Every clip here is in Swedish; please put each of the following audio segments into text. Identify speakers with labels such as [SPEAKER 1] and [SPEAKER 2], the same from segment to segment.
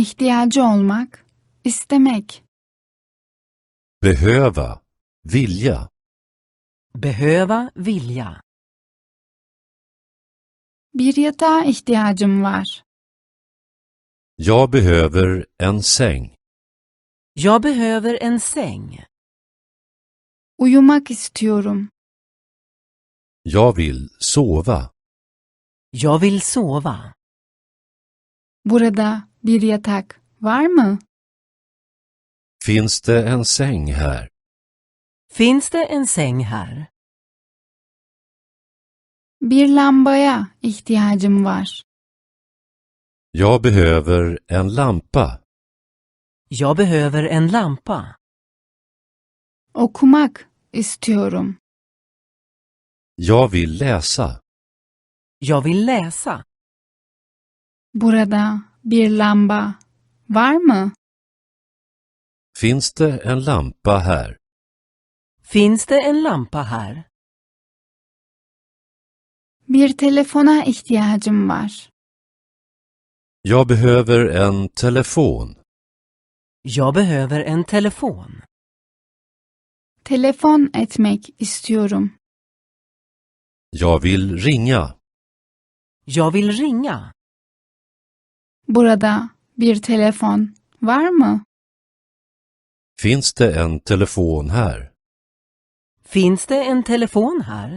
[SPEAKER 1] ihtiyacı olmak, istemek.
[SPEAKER 2] Behöva, vilja.
[SPEAKER 3] Behöva, vilja.
[SPEAKER 1] Bir yatağa ihtiyacım var.
[SPEAKER 2] Jag behöver en säng.
[SPEAKER 3] Jag behöver en säng.
[SPEAKER 1] Uyumak istiyorum.
[SPEAKER 2] Jag vill sova.
[SPEAKER 3] Jag vill sova.
[SPEAKER 1] Burada bir yatak var mı?
[SPEAKER 2] Finns det en säng här?
[SPEAKER 3] Finns det en säng här?
[SPEAKER 1] Bir lambaya ihtiyacım var.
[SPEAKER 2] Jag behöver en lampa.
[SPEAKER 3] Jag behöver en lampa.
[SPEAKER 1] Okumak istiyorum.
[SPEAKER 2] Jag vill läsa.
[SPEAKER 3] Jag vill läsa.
[SPEAKER 1] Burada bir lamba var mı?
[SPEAKER 2] Finns det en lampa här?
[SPEAKER 3] Finns det en lampa här?
[SPEAKER 1] Bir telefona ihtiyacım var.
[SPEAKER 2] Jag behöver en telefon.
[SPEAKER 3] Jag behöver en telefon.
[SPEAKER 1] Telefon etmek istiyorum.
[SPEAKER 2] Jag vill ringa.
[SPEAKER 3] Jag vill ringa.
[SPEAKER 1] Burada bir telefon var mı?
[SPEAKER 2] Finns det en telefon här?
[SPEAKER 3] Finns det en telefon här?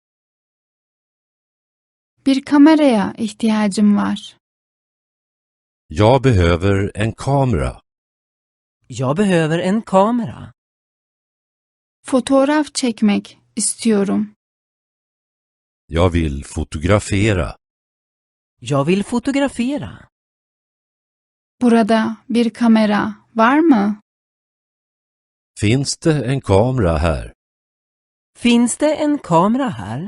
[SPEAKER 1] Bir kameraya ihtiyacım var.
[SPEAKER 2] Jag behöver en kamera.
[SPEAKER 3] Jag behöver en kamera.
[SPEAKER 1] Fotoğraf çekmek istiyorum.
[SPEAKER 2] Jag vill fotografera.
[SPEAKER 3] Jag vill fotografera.
[SPEAKER 1] Burada bir kamera var mı?
[SPEAKER 2] Finns det en kamera här?
[SPEAKER 3] Finns det en kamera här?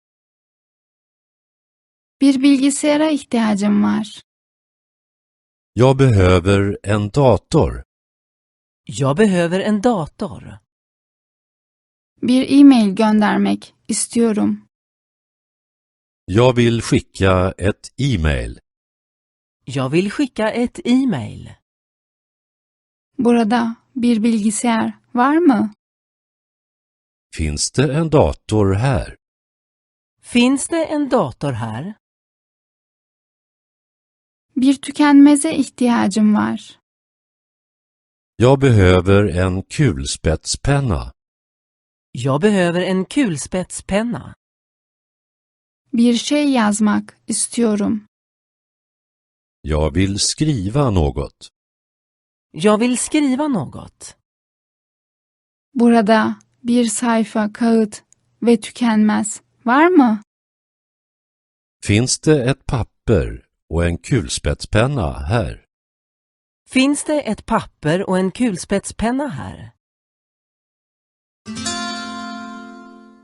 [SPEAKER 1] Bir bilgisayara ihtiyacım var.
[SPEAKER 2] Jag behöver en dator.
[SPEAKER 3] Jag behöver en dator.
[SPEAKER 1] Bir e-mail göndermek istiyorum.
[SPEAKER 2] Jag vill skicka ett e-mail.
[SPEAKER 3] Jag vill skicka ett e-mail.
[SPEAKER 1] Burada bir bilgisayar var mı?
[SPEAKER 2] Finns det en dator här?
[SPEAKER 3] Finns det en dator här?
[SPEAKER 1] Bir tükenmeze ihtiyacım var.
[SPEAKER 2] Jag behöver en kulspetspenna.
[SPEAKER 3] Jag behöver en kulspetspenna.
[SPEAKER 1] Bir şey yazmak istiyorum.
[SPEAKER 2] Jag vill skriva något.
[SPEAKER 3] Jag vill skriva något.
[SPEAKER 1] Burada bir sayfa kağıt ve tükenmez var mı?
[SPEAKER 2] Finns det ett papper och en kulspetspenna här?
[SPEAKER 3] Finns det ett papper och en kulspetspenna här?